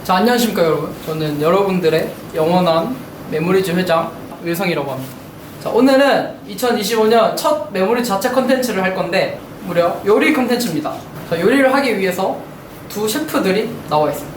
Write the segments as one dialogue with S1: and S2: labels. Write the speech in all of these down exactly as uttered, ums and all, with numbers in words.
S1: 자, 안녕하십니까 여러분. 저는 여러분들의 영원한 메모리즈 회장 wil성이라고 합니다. 자, 오늘은 이천이십오 년 첫 메모리즈 자체 컨텐츠를 할 건데 무려 요리 컨텐츠입니다. 자, 요리를 하기 위해서 두 셰프들이 나와 있습니다.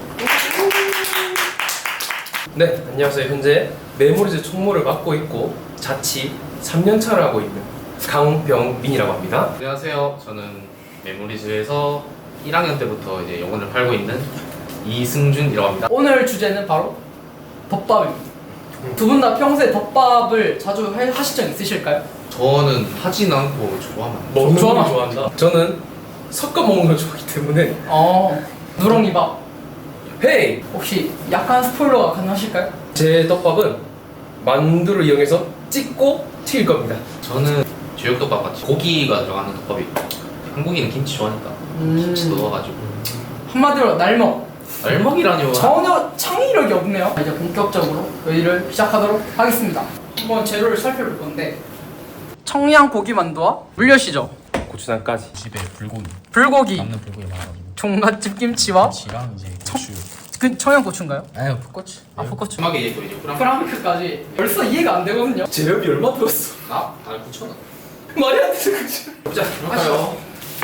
S2: 네, 안녕하세요. 현재 메모리즈 총무를 맡고 있고 자취 삼 년 차를 하고 있는 강병민이라고 합니다.
S3: 안녕하세요. 저는 메모리즈에서 일 학년 때부터 이제 영어를 팔고 있는 이승준이라고 합니다.
S1: 오늘 주제는 바로 덮밥입니다. 두 분 다 평소에 덮밥을 자주 해- 하신 적 있으실까요?
S3: 저는 하진 않고 좋아하면
S2: 먹는 걸
S1: 좋아하나?
S2: 좋아한다. 저는 섞어 먹는 걸 좋아하기 때문에
S1: 어, 누렁이밥.
S2: 헤이!
S1: 혹시 약간 스포일러가 가능하실까요?
S2: 제 떡밥은 만두를 이용해서 찍고 튀길 겁니다.
S3: 저는 제육덮밥 같이 고기가 들어가는 덮밥이 한국인은 김치 좋아하니까
S1: 음.
S3: 김치 넣어가지고
S1: 한마디로 날먹.
S3: 알먹이라뇨.
S1: 전혀 창의력이 없네요. 이제 본격적으로 요리를 시작하도록 하겠습니다. 한번 재료를 살펴볼 건데 청양 고기 만두와 물엿이죠.
S2: 고추장까지.
S4: 집에 불고기
S1: 불고기,
S4: 남는 불고기 많아가지고
S1: 종갓집 김치와
S4: 김치랑 이제 고추
S1: 그 청양 고추인가요?
S4: 아유 풋고추
S1: 아, 풋고추.
S3: 마지막에 얘기 이제 프랑
S1: 프랑크까지 벌써 이해가 안 되거든요.
S2: 재료비 얼마 들었어?
S3: 나? 아 구천 원.
S2: 말이 안 되는 거지.
S3: 자, 그럴까요?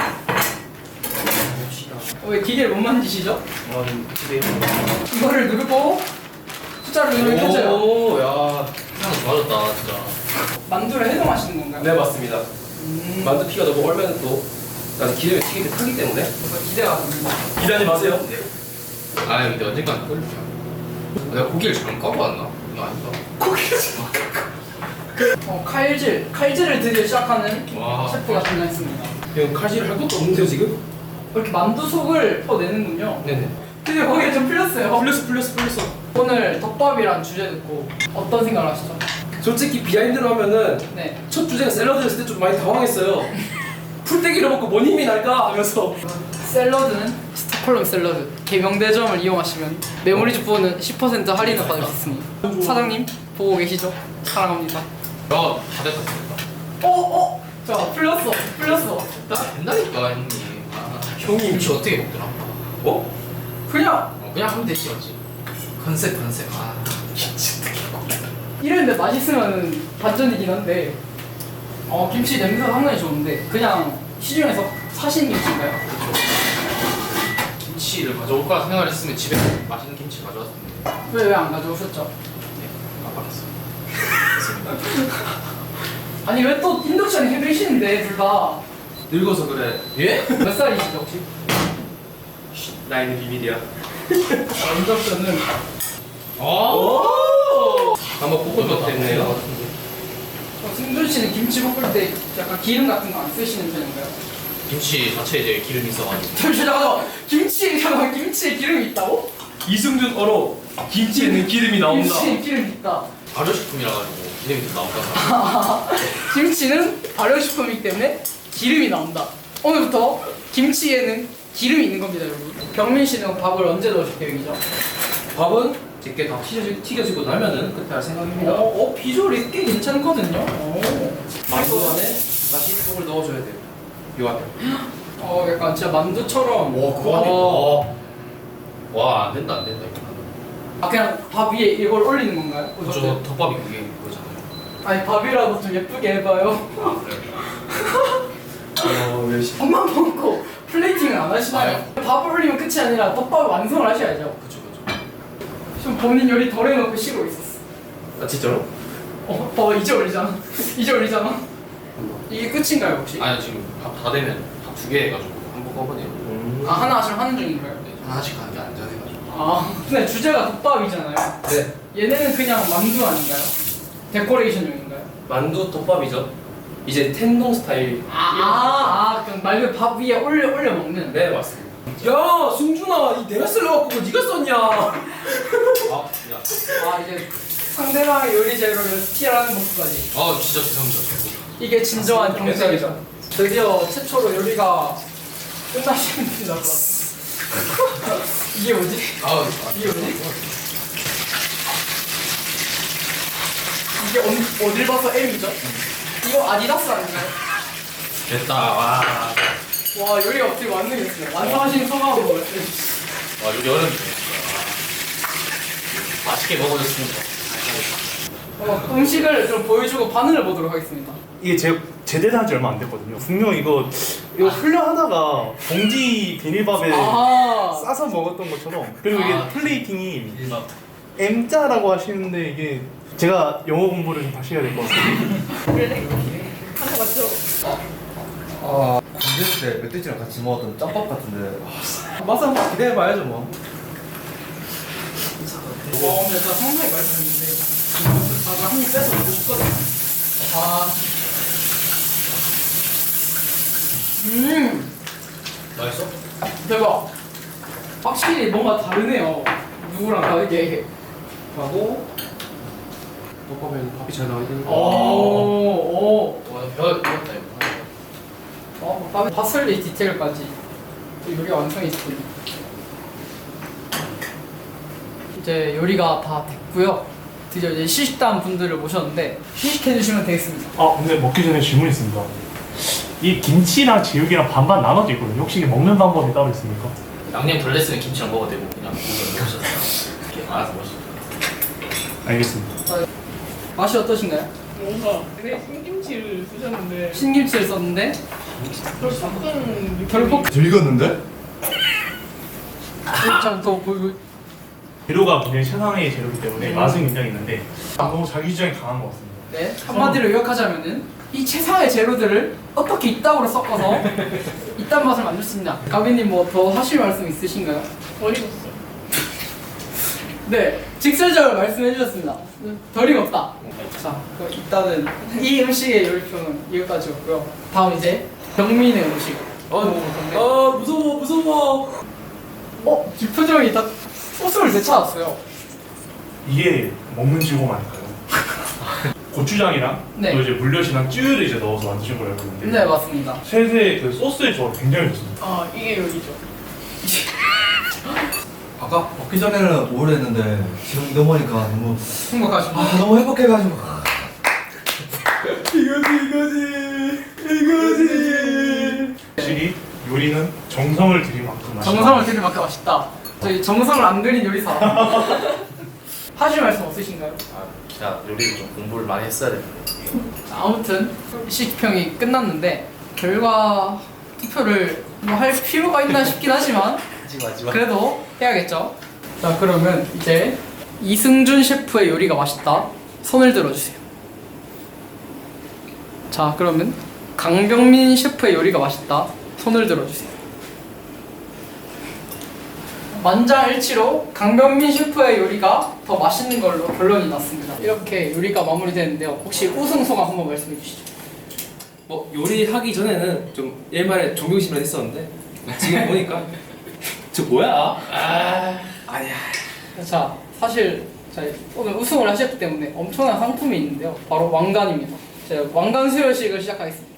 S1: 어, 왜 기계를 못 만지시죠?
S2: 어, 집에
S1: 이거를 누르고 숫자를 누르면 켜져요.
S2: 오, 야.
S3: 세상 좋아졌다 진짜.
S1: 만두를 해동하시는 건가요?
S2: 네, 맞습니다.
S1: 음,
S2: 만두 피가 너무 얼면 또 나는 기름에 튀기기 타기 때문에
S1: 이거 기대가 됩니다.
S2: 기대하지 마세요.
S3: 아 근데 언젠간 끓일게요. 내가 고기를 잘못 까고 왔나? 이거 아니다.
S2: 고기를 좀
S1: 어, 칼질, 칼질을 드디어 시작하는
S3: 와.
S1: 셰프가 등장했습니다.
S2: 형 칼질을 할 것도 없는데요 지금?
S1: 이렇게 만두 속을 퍼내는군요.
S2: 네네.
S1: 드디어 거기에 좀 풀렸어요.
S2: 풀렸어 풀렸어 풀렸어.
S1: 오늘 덮밥이란 주제 듣고 어떤 생각을 하시죠?
S2: 솔직히 비하인드로 하면은
S1: 네.
S2: 첫 주제가 샐러드였을 때 좀 많이 당황했어요. 풀떼기를 먹고 뭔 힘이 날까 하면서.
S1: 샐러드는 스톡홀름 샐러드 개명대점을 이용하시면 메모리즈 부어는 십 퍼센트 할인을 받을 수 있습니다. 사장님 보고 계시죠? 사랑합니다.
S3: 야, 다 됐다 다 됐다.
S1: 어? 어? 자, 풀렸어 풀렸어.
S3: 나 된다니까 형님. 아,
S2: 형님.
S3: 김치 어떻게 먹더라?
S2: 어?
S1: 그냥
S3: 어, 그냥 하면 되지 맞지? 컨셉 컨셉. 아 김치 어떻게 먹어?
S1: 이랬는데 맛있으면 반전이긴 한데 어, 김치 냄새가 상당히 좋은데 그냥 시중에서 사신 김치인가요?
S3: 김치를 가져올 거라 생각을 했으면 집에 맛있는 김치 가져왔을 텐데.
S1: 왜 왜 안 가져오셨죠?
S3: 네, 깜빡했어.
S1: 아니 왜 또 인덕션 해드시는데 둘 다 몇
S2: 늙어서 그래.
S3: 예?
S1: 살이시죠 혹시?
S2: 나이는 비밀이야.
S1: 아, 인덕션은
S3: 오.
S2: 한번 볶은 것 때문에요.
S1: 어, 승준 씨는 김치 볶을 때 약간 기름 같은 거 안 쓰시는 편인가요?
S3: 김치 자체에 이제 기름이 있어가지고.
S1: 잠시 잠깐만 김치에 잠깐만 김치에 기름이 있다고?
S2: 이승준 어로 김치에는 기름이 나온다.
S1: 김치에 기름이 있다.
S3: 발효식품이라 가지고 기름이 좀 나온다.
S1: 김치는 발효식품이기 때문에 기름이 나온다. 오늘부터 김치에는 기름이 있는 겁니다 여러분. 병민 씨는 밥을 언제 넣으실 계획이죠?
S2: 밥은 제게 다 튀겨지, 튀겨지고 나면은 그때 할 생각입니다.
S1: 어, 어 비주얼이 꽤 괜찮거든요. 오.
S2: 만두 안에 다시 속을 넣어줘야 돼요. 요 안에.
S1: 어 약간 진짜 만두처럼.
S3: 와, 와, 안 된다, 안 된다, 이거.
S1: 아 그냥 밥 위에 이걸 올리는 건가요?
S3: 저 덮밥이 그게 그거잖아요.
S1: 아니 밥이라도 좀 예쁘게 해봐요.
S3: 아, 그래.
S2: 어, 열심히.
S1: 밥만 먹고 플레이팅을 안 하시나요? 밥을 올리면 끝이 아니라 덮밥 완성을 하셔야죠.
S3: 그쵸, 그쵸.
S1: 좀 본인 요리 덜 해놓고 쉬고 있었어.
S2: 아 진짜로?
S1: 어, 봐봐 이제 올리잖아. 이제 올리잖아. 이게 끝인가요 혹시?
S3: 아니, 지금 밥 다 되면 밥 두 개 해가지고 한꺼번에
S2: 음.
S1: 아 하나씩 하는 중인가요?
S3: 네, 하나씩 하는 게 안전해가지고.
S1: 아 근데 주제가 덮밥이잖아요.
S2: 네.
S1: 얘네는 그냥 만두 아닌가요? 데코레이션용인가요?
S2: 만두 덮밥이죠. 이제 텐동 스타일.
S1: 아아 아, 그럼 말 그대로 밥 위에 올려 올려 먹는.
S2: 네 맞습니다. 야 승준아, 이 내가 쓸려갖고 그거 네가 썼냐?
S3: 아, 야.
S1: 아 이제 상대방의 요리 재료를 스틸하는 모습까지.
S3: 아, 진짜 죄송합니다.
S1: 이게 진정한 경쟁이죠.
S2: 경쟁이죠.
S1: 드디어 최초로 요리가 끝나시는 분이 나올 것 같아. 이게 뭐지?
S3: 아,
S1: 이게 뭐지? 이게 어디, 어딜 봐서 M이죠? 이거 아디다스 아닌가요?
S3: 됐다, 와.
S1: 와 요리가 어떻게 완성했어요. 완성하신 소감은 뭐였어요?
S3: 와, 요리 어렵네, 진짜. 맛있게 먹어줬습니다.
S1: 어, 음식을 좀 보여주고 반응을 보도록 하겠습니다.
S5: 이게 제 제대로 한 지 얼마 안 됐거든요. 분명 이거 이거 흘려하다가 봉지 비닐밥에
S1: 아,
S5: 싸서 먹었던 것처럼. 그리고 이게
S3: 아,
S5: 플레이팅이
S3: 일밥.
S5: M자라고 하시는데 이게 제가 영어 공부를 좀 다시 해야 될 것 같아요.
S6: 아 군대 때 멧돼지랑 같이 먹었던 짬밥 같은데
S2: 맛 한번 기대해봐야죠 뭐.
S1: 어, 근데 진짜 상당히 맛있었는데 아까 한입 빼서 먹고 싶거든요. 아, 음,
S3: 맛있어?
S1: 대박. 확실히 뭔가 다르네요. 누구랑 다르게.
S2: 하고 볶으면 밥이 잘 나와야 되는
S1: 오,
S2: 거.
S1: 오.
S3: 와, 벼 익었다 이거.
S1: 어, 다음에 파슬리 디테일까지 요리가 완성했군요. 이제 요리가 다 됐고요. 드디어 이제 시식단 분들을 모셨는데 시식해 주시면 되겠습니다.
S5: 아 근데 먹기 전에 질문 있습니다. 이 김치랑 제육이랑 반반 나눠져 있거든요. 혹시 이게 먹는 방법이 따로 있습니까?
S3: 양념 덜 냈으면 김치랑 먹어도 되고 그냥 고기랑 먹으셔도 이렇게 알아서 먹으시면
S5: 알겠습니다.
S1: 맛이 어떠신가요?
S7: 뭔가 되게 신김치를 쓰셨는데
S1: 신김치를 썼는데
S7: 별 섞은
S1: 결국
S6: 즐겼는데?
S1: 좀더 보이고
S5: 재료가 굉장히 최상의 재료이기 때문에 맛은 굉장히 있는데 너무 자기 주장이 강한 것 같습니다.
S1: 네, 한마디로 요약하자면은 이 최상의 재료들을 어떻게 이따구로 섞어서 이딴 맛을 만들 수 있냐. 가비님 뭐 더 하실 말씀 있으신가요?
S7: 덜 익었어요.
S1: 네, 직설적으로 말씀해 주셨습니다. 덜 익었다. 자, 그럼 일단은 이 음식의 요리표는 여기까지였고요. 다음 이제 병민의 음식.
S2: 어,
S1: 먹어볼 건데.
S2: 어 무서워 무서워.
S1: 어, 뒷표정이 다 소스를 되찾았어요.
S5: 이게 먹는 즐거움 아닐까요? 고추장이랑
S1: 네.
S5: 또 이제 물엿이랑 쯔유를 이제 넣어서 만드신 걸 알고 있는데
S1: 네, 맞습니다.
S5: 셋의 그 소스의 조합 굉장히 좋습니다.
S7: 아 이게 요리죠.
S6: 아까 먹기 전에는 우울했는데 지금 넘어니까 너무
S1: 행복하십니다.
S6: 아, 너무 행복해가지고
S5: 확실히 요리는 정성을 들인 만큼 맛있다.
S1: 정성을 들일 만큼 맛있다. 저희 정성을 안 들인 요리사. 하실 말씀 없으신가요?
S3: 아, 기가 요리를 좀 공부를 많이 했어야 되는데
S1: 아무튼 시식평이 끝났는데 결과 투표를 뭐 할 필요가 있나 싶긴 하지만
S3: 하지마 하지마.
S1: 그래도 해야겠죠. 자, 그러면 이제 이승준 셰프의 요리가 맛있다 손을 들어주세요. 자, 그러면 강병민 셰프의 요리가 맛있다 손을 들어주세요. 만장일치로 강병민 셰프의 요리가 더 맛있는 걸로 결론이 났습니다. 이렇게 요리가 마무리되는데요. 혹시 우승 소감 한번 말씀해 주시죠.
S2: 뭐 요리하기 전에는 좀 옛말에 존경심을 했었는데 지금 보니까 저 뭐야? 아 아니야.
S1: 자, 사실 저희 오늘 우승을 하셨기 때문에 엄청난 상품이 있는데요. 바로 왕관입니다. 제가 왕관 수여식을 시작하겠습니다.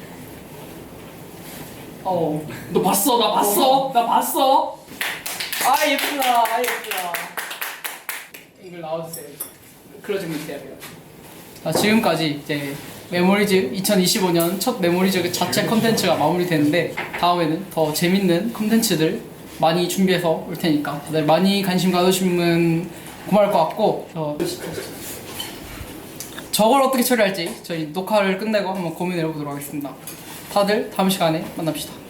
S1: 어,
S2: 너 봤어? 나 봤어? 나 봤어?
S1: 아 예쁘다, 아 예쁘다. 이걸 나와주세요. 클로징 밑에 해야 돼요. 자, 지금까지 이제 메모리즈 이천이십오 년 첫 메모리즈 자체 컨텐츠가 마무리되는데 다음에는 더 재밌는 컨텐츠들 많이 준비해서 올 테니까 다들 많이 관심 가져주시면 고마울 것 같고 어, 저걸 어떻게 처리할지 저희 녹화를 끝내고 한번 고민해 보도록 하겠습니다. 다들 다음 시간에 만납시다.